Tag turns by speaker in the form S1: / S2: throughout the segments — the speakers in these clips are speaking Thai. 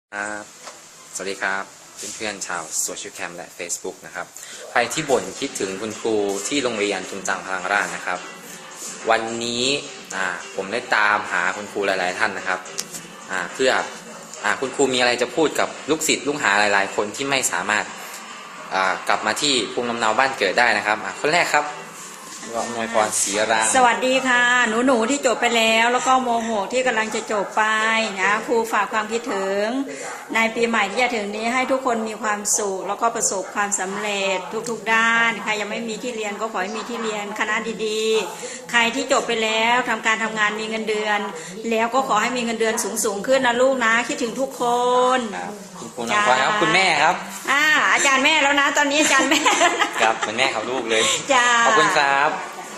S1: ครับสวัสดีครับเพื่อนๆชาวโซเชียลแคมและ Facebook นะครับใครที่บ่นคิดถึงคุณครูที่โรงเรียนทุนจังพลังราษฎร์นะครับวันนี้ผมได้ตามหาคุณครูหลายๆท่านนะครับเพื่อคุณครูมีอะไรจะพูดกับลูกศิษย์ลูกหาหลายๆคนที่ไม่สามารถกลับมาที่ภูมิลำเนาบ้านเกิดได้นะครับคนแรกครับอำนวยพรศรีราง
S2: สวัสดีค่ะหนูที่จบไปแล้วก็โมโหที่กำลังจะจบไปนะครูฝากความคิดถึงในปีใหม่ที่จะถึงนี้ให้ทุกคนมีความสุขแล้วก็ประสบความสำเร็จทุกๆด้านใครยังไม่มีที่เรียนก็ขอให้มีที่เรียนคณะดีๆใครที่จบไปแล้วทำการทำงานมีเงินเดือนแล้วก็ขอให้มีเงินเดือนสูงขึ้นนะลูกนะคิดถึงทุกคน
S1: คุณครูน้องพรครับคุณแม่ครับ
S2: อาจารย์แม่แล้วนะตอนนี้อาจารย์แม่
S1: ครับเป็นแม่เขาลูกเลยขอบคุณครับ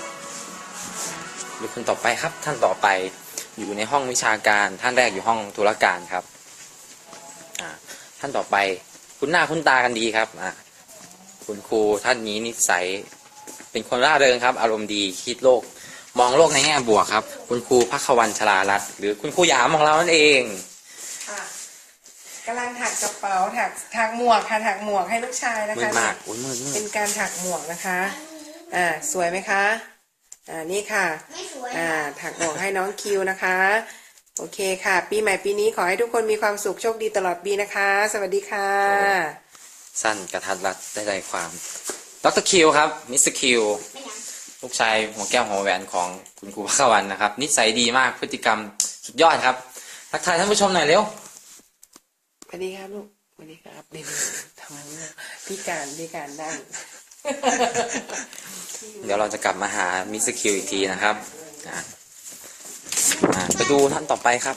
S1: ดูคนต่อไปครับท่านต่อไปอยู่ในห้องวิชาการท่านแรกอยู่ห้องธุรการครับท่านต่อไปคุ้นหน้าคุ้นตากันดีครับคุณครูท่านนี้นิสัยเป็นคนร่าเริงครับอารมณ์ดีคิดโลกมองโลกในแง่บวกครับคุณครูภัควันชลารัตน์หรือคุณครูหยามของเรานั่นเอง
S3: กำลังถักกระเป๋าถักหมวกค่ะถักหมวกให้ลูกชายนะคะเป็นการถักหมวกนะคะสวยไหมคะนี่ค่ะถักหมวกให้น้องคิวนะคะโอเคค่ะปีใหม่ปีนี้ขอให้ทุกคนมีความสุขโชคดีตลอดปีนะคะสวัสดีค่ะ
S1: สั้นกระทัดรัดได้ใจความดรคิวครับมิสเตอร์คิวลูกชายหัวแก้วหัวแหวนของคุณครูภัควันนะครับนิสัยดีมากพฤติกรรมสุดยอดครับทักทายท่านผู้ชมหน่อยเร็ว
S3: สวัสดีครับลูกสวัสดีครับเด็กๆทำงานพิการได้
S1: เดี๋ยวเราจะกลับมาหามิสคิวอีกทีนะครับไปดูท่านต่อไปครับ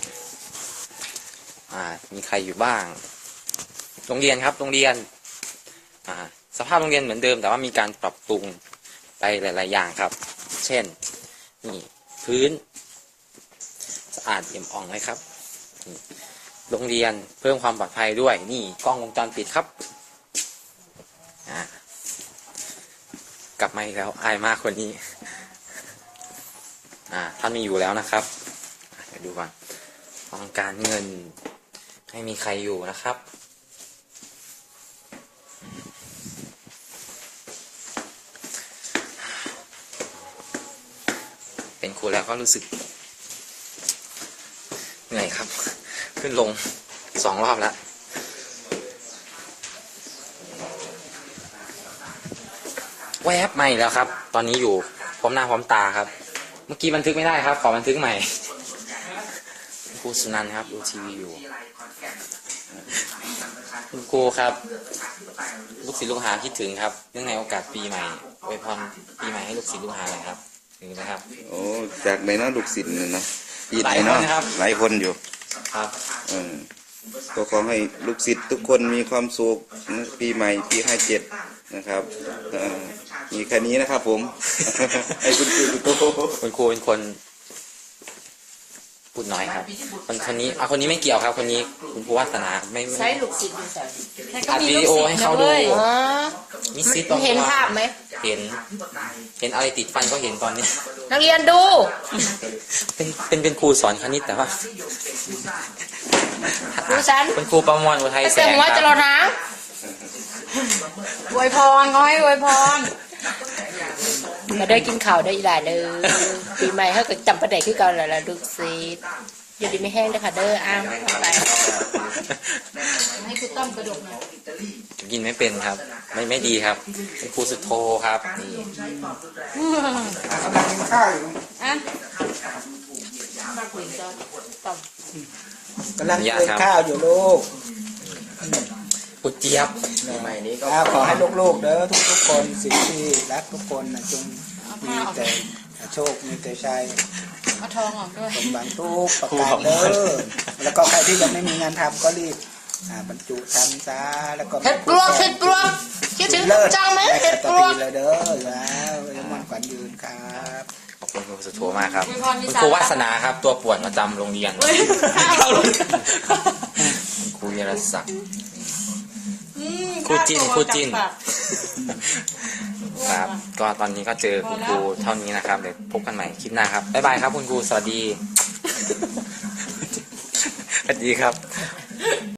S1: มีใครอยู่บ้างโรงเรียนครับโรงเรียนสภาพโรงเรียนเหมือนเดิมแต่ว่ามีการปรับปรุงไปหลายๆอย่างครับเช่นนี่พื้นสะอาดเอี่ยมอ่องเลยครับโรงเรียนเพิ่มความปลอดภัยด้วยนี่กล้องวงจรปิดครับกลับมาอีกแล้วอายมากคนนี้ท่านมีอยู่แล้วนะครับเดี๋ยวดูก่อนห้องการเงินไม่มีใครอยู่นะครับเป็นครูแล้วก็รู้สึกเหนื่อยครับขึ้นลง2 รอบแล้วแวบใหม่แล้วครับตอนนี้อยู่พร้อมหน้าพร้อมตาครับเมื่อกี้บันทึกไม่ได้ครับขอบันทึกใหม่ครูสุนันท์ครับดูทีวีอยู่คุณครูครับลูกศิษย์ลูกหาคิดถึงครับเนื่องในโอกาสปีใหม่อวยพรปีใหม่ให้ลูกศิษย์ลูกหาหน่อยครับถึงนะครับ
S4: โอ้จากไหนเนาะลูกศิษย์เนี่ยเนาะปีไหนเนาะหลายคนอยู่
S1: ครับ
S4: ก็ขอให้ลูกศิษย์ทุกคนมีความสุขปีใหม่ปี57นะครับมีแค่นี้นะครับผมให้คุณครู
S1: คุณครูเป็นคนพูดน้อยครับคนนี้คนนี้ไม่เกี่ยวครับคนนี้คุณครูวาสนาไม่
S3: ใช้ลูกศิษย์
S1: อัดวิดีโอให้เขาดูมีซิท
S3: เห็นภาพไหม
S1: เห็นอะไรติดฟันก็เห็นตอนนี้
S3: นักเรียนดู
S1: เป็นครูสอนคณิตแต่ว่า
S3: ดูฉัน
S1: เป็นครูประมวลอุทัยแสง
S3: ครับจะรอนะอวยพรง้อยอวยพรมาได้กินข่าวได้หลายเลยปีใหม่เขาก็จำประเด็นที่เก่าหลายๆลูกศิษย์อย่าดีไม่แห้งเลยค่ะเด้อไปให้คุณต้อมกระดกหน่อย
S1: กินไม่เป็นครับไม่ดีครับเป็นครูสุดโทครับนี่
S4: กำลังกินข้าวอยู่
S3: กำลัง
S4: กินข้าวอยู่ลูก
S1: กุเจี๊ยบ
S4: ใหม่นี้ก็ขอให้ลูกๆเด้อทุกคนสิ่งที่รักทุกคนจงมีแต่โชคมีแต่ชัย
S3: เอาทองออกด้วย
S4: สมหวังทุกประการเด้อแล้วก็ใครที่ยังไม่มีงานทำก็รีบบรรจุทำซะแล้วก็
S3: เห็ดปลวกคิดถึงจังไหมเห็ดปลวก
S4: เลยเด้อแล้วมันขวัญยืนครับ
S1: ขอบคุณครูสุโธมากครับคุณครูวาสนาครับตัวป่วนประจำโรงเรียนครูเยรศักดิ์ครูจินครับก็ตอนนี้ก็เจอคุณครูเท่านี้นะครับเดี๋ยวพบกันใหม่คลิปหน้าครับบ๊ายบายครับคุณครูสวัสดีครับ